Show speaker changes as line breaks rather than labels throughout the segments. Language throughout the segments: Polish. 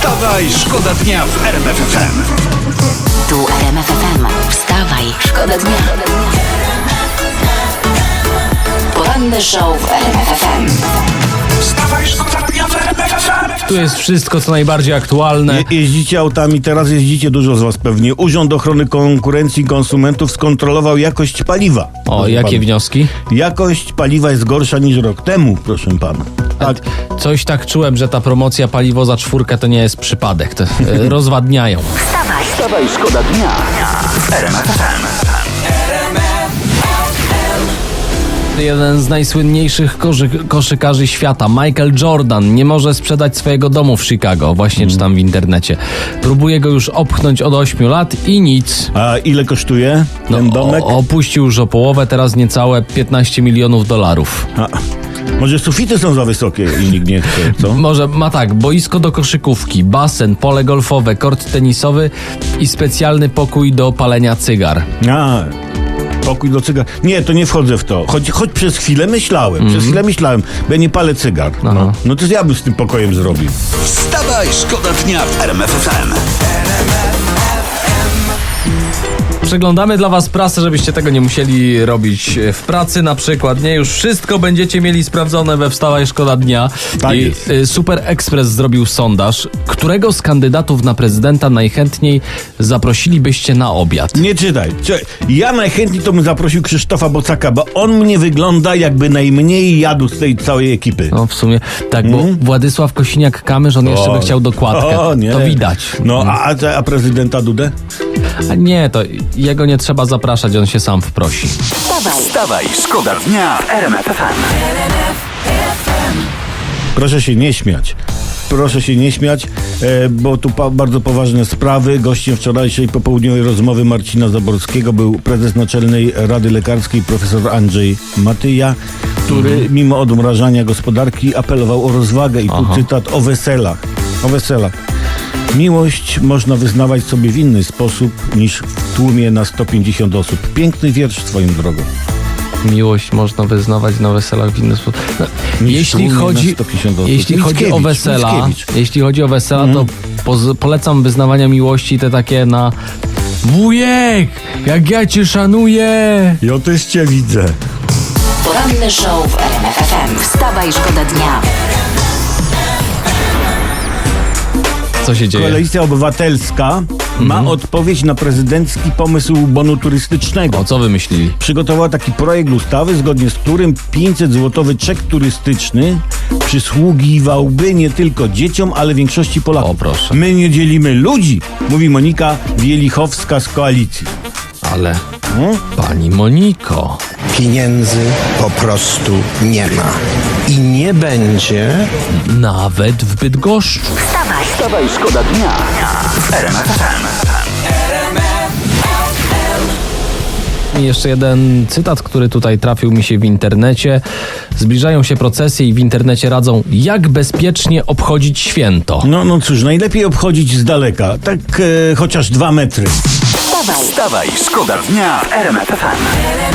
Wstawaj, szkoda dnia w RMF FM.
Tu RMF FM. Wstawaj, szkoda dnia. Poranny show w RMF FM.
Wstawaj, szkoda dnia w RMF FM.
Tu jest wszystko, co najbardziej aktualne.
Jeździcie autami, teraz jeździcie, dużo z was pewnie. Urząd Ochrony Konkurencji i Konsumentów skontrolował jakość paliwa.
O,
Proszę
jakie
pana.
wnioski?
Jakość paliwa jest gorsza niż rok temu, proszę pana. Tak.
Coś tak czułem, że ta promocja paliwo za 4 to nie jest przypadek. To, rozwadniają.
Wstawaj, szkoda dnia w RMF FM.
Jeden z najsłynniejszych koszykarzy świata, Michael Jordan, nie może sprzedać swojego domu w Chicago. Właśnie czytam w internecie. Próbuje go już opchnąć od 8 lat i nic.
A ile kosztuje ten domek?
Opuścił już o połowę, teraz niecałe $15 milionów.
A, może sufity są za wysokie i nikt nie chce, co?
Może ma tak, boisko do koszykówki, basen, pole golfowe, kort tenisowy i specjalny pokój do palenia cygar.
A, pokój do cygar. Nie, to nie wchodzę w to. Choć przez chwilę myślałem, bo ja nie palę cygar.
Aha.
No to ja bym z tym pokojem zrobił.
Wstawaj, szkoda dnia w RMF FM.
Przeglądamy dla was prasę, żebyście tego nie musieli robić w pracy na przykład, nie? Już wszystko będziecie mieli sprawdzone we Wstawaj, szkoda dnia.
Tak
I
jest.
Super Express zrobił sondaż. Którego z kandydatów na prezydenta najchętniej zaprosilibyście na obiad?
Nie czytaj. Ja najchętniej to bym zaprosił Krzysztofa Bocaka, bo on mnie wygląda jakby najmniej jadł z tej całej ekipy.
No w sumie tak, bo Władysław Kosiniak-Kamysz, on jeszcze by chciał dokładkę.
O, nie.
To widać.
No, a prezydenta Dudę?
A nie, to jego nie trzeba zapraszać, on się sam wprosi.
Wstawaj, szkoda dnia w RMF FM.
Proszę się nie śmiać. Proszę się nie śmiać, bo tu bardzo poważne sprawy. Gościem wczorajszej popołudniowej rozmowy Marcina Zaborskiego był prezes Naczelnej Rady Lekarskiej profesor Andrzej Matyja, który mimo odmrażania gospodarki apelował o rozwagę i tu cytat o weselach. O weselach. Miłość można wyznawać sobie w inny sposób niż w tłumie na 150 osób. Piękny wiersz swoją drogą.
Miłość można wyznawać na weselach w inny sposób. No, jeśli
tłumie
chodzi,
na 150 osób.
jeśli chodzi o wesela, to polecam wyznawania miłości te takie na wujek, jak ja cię szanuję.
Ja też cię widzę.
Poranny show w RMF FM. Wstawaj, szkoda dnia.
Co się dzieje?
Koalicja Obywatelska ma odpowiedź na prezydencki pomysł bonu turystycznego.
O co wymyślili?
Przygotowała taki projekt ustawy, zgodnie z którym 500-złotowy czek turystyczny przysługiwałby nie tylko dzieciom, ale większości Polaków.
O, proszę.
My nie dzielimy ludzi, mówi Monika Wielichowska z koalicji.
Ale pani Moniko,
Pieniędzy po prostu nie ma. I nie będzie.
nawet w Bydgoszczu.
Wstawaj, szkoda dnia w RMF FM.
I jeszcze jeden cytat, który tutaj trafił mi się w internecie. Zbliżają się procesje i w internecie radzą, jak bezpiecznie obchodzić święto.
No cóż, najlepiej obchodzić z daleka, tak chociaż 2 metry.
Wstawaj, szkoda dnia w RMF FM.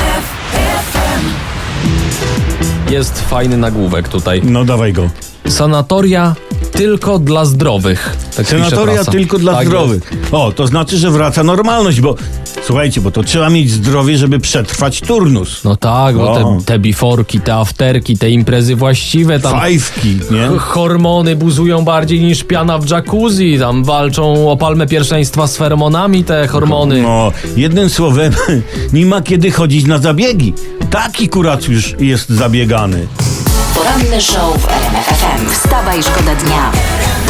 Jest fajny nagłówek tutaj.
No dawaj go.
Sanatoria tylko dla zdrowych. Tak pisze
Senatoria
prasa.
tylko dla
Tak
zdrowych. O, to znaczy, że wraca normalność, bo słuchajcie, bo to trzeba mieć zdrowie, żeby przetrwać turnus.
No tak, bo te biforki, te afterki, te imprezy właściwe, tam
Fajwki, nie?
hormony buzują bardziej niż piana w jacuzzi, tam walczą o palmę pierwszeństwa z feromonami te hormony.
No, jednym słowem, nie ma kiedy chodzić na zabiegi. Taki kurac już jest zabiegany.
Poranny show w RMF FM. Wstawaj, szkoda dnia.